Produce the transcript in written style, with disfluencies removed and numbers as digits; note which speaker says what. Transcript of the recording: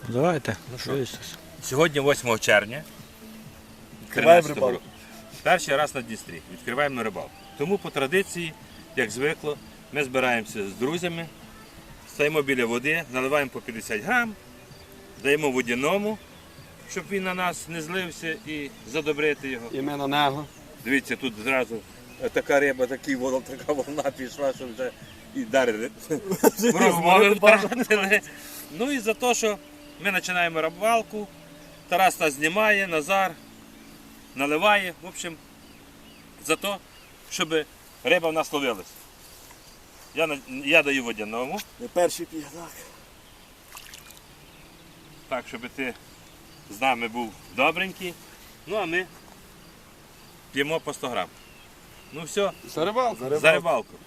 Speaker 1: Давайте.
Speaker 2: Ну що? Сьогодні 8 червня.
Speaker 3: Відкриваємо
Speaker 2: 13-го
Speaker 3: рибалку.
Speaker 2: року. Перший раз на Дністрі. Відкриваємо рибалку. Тому по традиції, як звикло, ми збираємося з друзями, стоїмо біля води, наливаємо по 50 грам, даємо водяному, щоб він на нас не злився і задобрити його.
Speaker 3: І ми на нього.
Speaker 2: Дивіться, тут зразу така риба, така волна пішла, що вже і дарили. Розмови втратили. Ну і за те, що ми починаємо рибалку, Тарас нас знімає, Назар наливає. В общем, за те, щоб риба в нас ловилась. Я даю водяному,
Speaker 3: Не перший п'є, так.
Speaker 2: так, щоб ти з нами був добренький. Ну а ми п'ємо по 100 грам. Ну все,
Speaker 3: За рибалку.
Speaker 2: за рибалку.